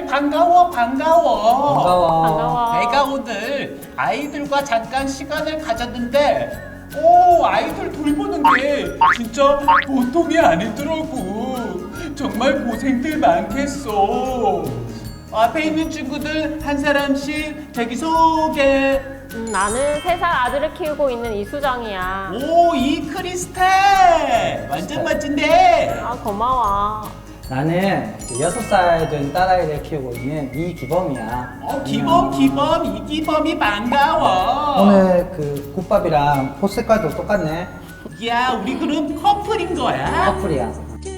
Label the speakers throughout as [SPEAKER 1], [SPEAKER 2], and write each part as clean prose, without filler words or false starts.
[SPEAKER 1] 반가워.
[SPEAKER 2] 반가워.
[SPEAKER 1] 내가 오늘 아이들과 잠깐 시간을 가졌는데 아이들 돌보는 게 진짜 보통이 아니더라고. 정말 고생들 많겠어. 앞에 있는 친구들 한 사람씩 자기소개.
[SPEAKER 3] 나는 3살 아들을 키우고 있는 이수정이야.
[SPEAKER 1] 이 크리스탈 완전 멋진데.
[SPEAKER 3] 아, 고마워.
[SPEAKER 2] 나는 이제 6살 된 딸아이를 키우고 있는 이기범이야.
[SPEAKER 1] 이기범이 반가워.
[SPEAKER 2] 오늘 그 국밥이랑 옷 색깔도 똑같네.
[SPEAKER 1] 야, 우리 그럼 커플인 거야?
[SPEAKER 2] 커플이야.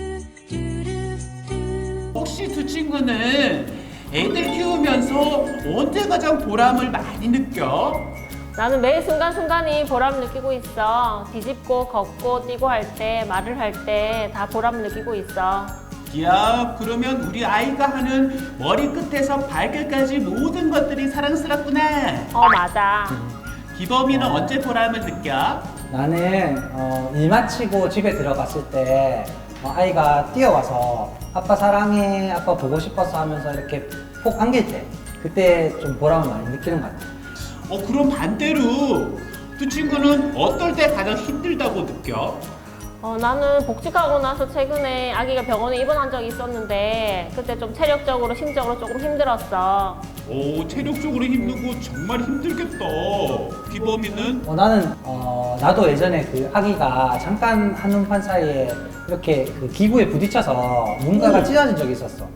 [SPEAKER 1] 혹시 두 친구는 애들 키우면서 언제 가장 보람을 많이 느껴?
[SPEAKER 3] 나는 매 순간순간이 보람을 느끼고 있어. 뒤집고, 걷고, 뛰고 할 때, 말을 할 때 다 보람을 느끼고 있어.
[SPEAKER 1] 야, 그러면 우리 아이가 하는 머리끝에서 발끝까지 모든 것들이 사랑스럽구나.
[SPEAKER 3] 맞아.
[SPEAKER 1] 기범이는 언제 보람을 느껴?
[SPEAKER 2] 나는 일 마치고 집에 들어갔을 때 아이가 뛰어와서 아빠 사랑해, 아빠 보고 싶어서 하면서 이렇게 폭 안길 때 그때 좀 보람을 많이 느끼는 것 같아.
[SPEAKER 1] 그럼 반대로 두 친구는 어떨 때 가장 힘들다고 느껴?
[SPEAKER 3] 나는 복직하고 나서 최근에 아기가 병원에 입원한 적이 있었는데 그때 좀 체력적으로, 심적으로 조금 힘들었어.
[SPEAKER 1] 체력적으로 힘든 거 정말 힘들겠다. 기범이는?
[SPEAKER 2] 나는 나도 예전에 그 아기가 잠깐 한눈판 사이에 이렇게 그 기구에 부딪혀서 뭔가가 찢어진 적이 있었어.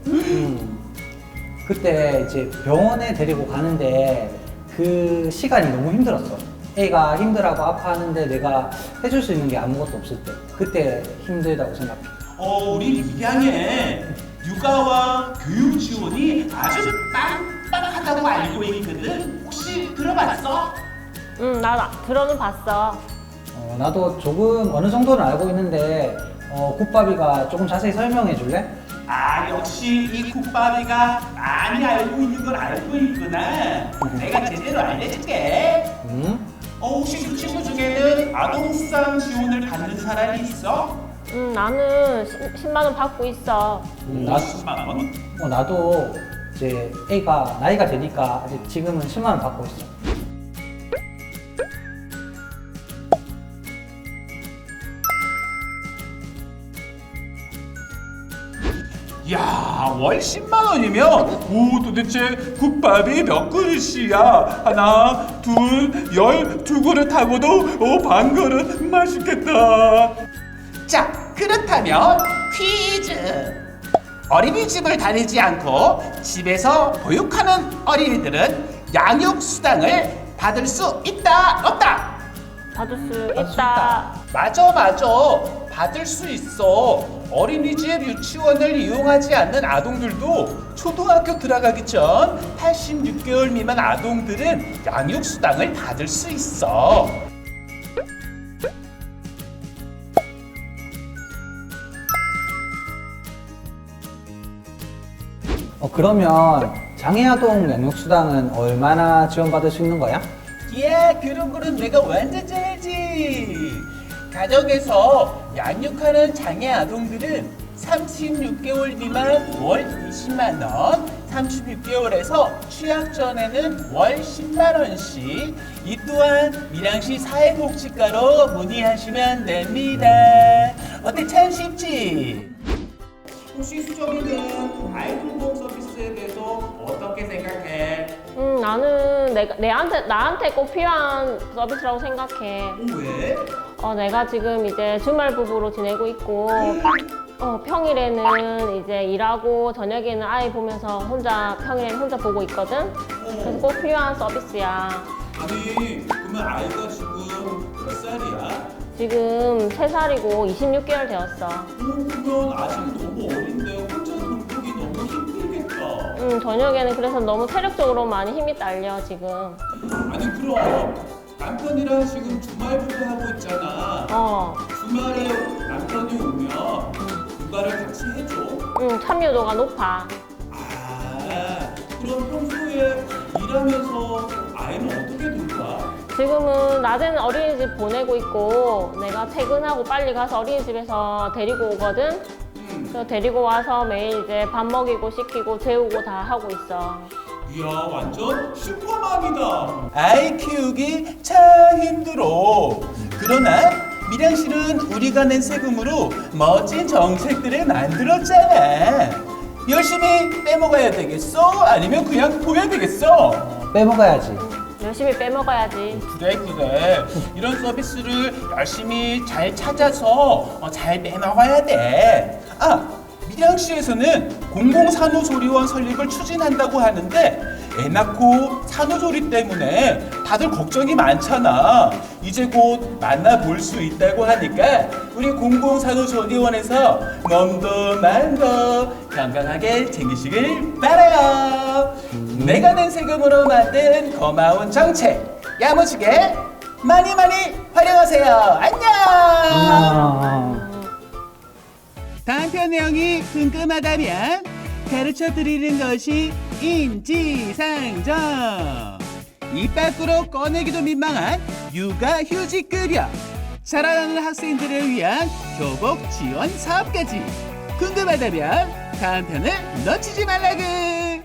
[SPEAKER 2] 그때 이제 병원에 데리고 가는데 그 시간이 너무 힘들었어. 애가 힘들하고 아파하는데 내가 해줄 수 있는 게 아무것도 없을 때 그때 힘들다고 생각해.
[SPEAKER 1] 우리 입양에 육아와 교육 지원이 아주 빵빵하다고 알고 있거든. 혹시 들어봤어?
[SPEAKER 3] 나 들어는 봤어.
[SPEAKER 2] 나도 조금 어느 정도는 알고 있는데 국밥이가 조금 자세히 설명해 줄래?
[SPEAKER 1] 역시 이 국밥이가 많이 알고 있는 걸 알고 있구나. 내가 제대로 알려줄게. 혹시 그 친구 중에는 아동수당 지원을 받는 사람이 있어?
[SPEAKER 3] 나는 10만 원 받고 있어.
[SPEAKER 2] 나
[SPEAKER 1] 10만 원?
[SPEAKER 2] 나도 이제 애가 나이가 되니까 아직 지금은 10만 원 받고 있어.
[SPEAKER 1] 야, 월 10만 원이면 도대체 국밥이 몇 그릇이야? 하나, 둘, 12그릇 하고도 반 그릇 맛있겠다. 자, 그렇다면 퀴즈. 어린이집을 다니지 않고 집에서 보육하는 어린이들은 양육수당을 받을 수 있다, 없다?
[SPEAKER 3] 받을 수
[SPEAKER 2] 받을 수
[SPEAKER 3] 있다.
[SPEAKER 1] 맞아. 받을 수 있어. 어린이집 유치원을 이용하지 않는 아동들도 초등학교 들어가기 전 86개월 미만 아동들은 양육수당을 받을 수 있어.
[SPEAKER 2] 그러면 장애아동 양육수당은 얼마나 지원받을 수 있는 거야?
[SPEAKER 1] 그런 거는 내가 완전 잘 알지. 가정에서 양육하는 장애 아동들은 36개월 미만 월 20만 원, 36개월에서 취약 전에는 월 10만 원씩. 이 또한 밀양시 사회복지과로 문의하시면 됩니다. 어때, 참 쉽지? 혹시 수정이는 아이돌 보험 서비스에 대해서 어떻게 생각해?
[SPEAKER 3] 나는 나한테 꼭 필요한 서비스라고 생각해.
[SPEAKER 1] 왜?
[SPEAKER 3] 내가 지금 이제 주말 부부로 지내고 있고, 평일에는 이제 일하고 저녁에는 아이 보면서 평일에는 혼자 보고 있거든? 그래서 꼭 필요한 서비스야.
[SPEAKER 1] 아니, 그러면 아이가 지금 몇 살이야?
[SPEAKER 3] 지금 3살이고 26개월 되었어.
[SPEAKER 1] 그러면 아직 너무 어린데 혼자 돌보기 너무 힘들겠다.
[SPEAKER 3] 저녁에는 그래서 너무 체력적으로 많이 힘이 딸려, 지금.
[SPEAKER 1] 아니, 그럼 남편이랑 지금 주말부터 하고 있잖아. 주말에 남편이 오면 육아를 같이 해줘?
[SPEAKER 3] 참여도가 높아.
[SPEAKER 1] 그럼 평소에 일하면서 아이는 어떻게 돌봐?
[SPEAKER 3] 지금은 낮에는 어린이집 보내고 있고 내가 퇴근하고 빨리 가서 어린이집에서 데리고 오거든. 그래서 데리고 와서 매일 이제 밥 먹이고 씻기고 재우고 다 하고 있어.
[SPEAKER 1] 이야, 완전 슈퍼맘이다. 아이 키우기 참 힘들어. 그러나 미량 씨는 우리가 낸 세금으로 멋진 정책들을 만들었잖아. 열심히 빼먹어야 되겠어? 아니면 그냥 둬야 되겠어?
[SPEAKER 2] 빼먹어야지.
[SPEAKER 3] 열심히 빼먹어야지.
[SPEAKER 1] 그래. 이런 서비스를 열심히 잘 찾아서 잘 빼먹어야 돼. 아, 밀양시에서는 공공산후조리원 설립을 추진한다고 하는데 애 낳고 산후조리 때문에 다들 걱정이 많잖아. 이제 곧 만나볼 수 있다고 하니까 우리 공공산후조리원에서 몸도 마음도 건강하게 챙기시길 바라요. 내가 낸 세금으로 만든 고마운 정책 야무지게 많이 활용하세요. 안녕. 다음 편 내용이 궁금하다면 가르쳐 드리는 것이 인지상정. 입 밖으로 꺼내기도 민망한 육아휴직급여, 자라나는 학생들을 위한 교복 지원 사업까지 궁금하다면 다음 편을 놓치지 말라구.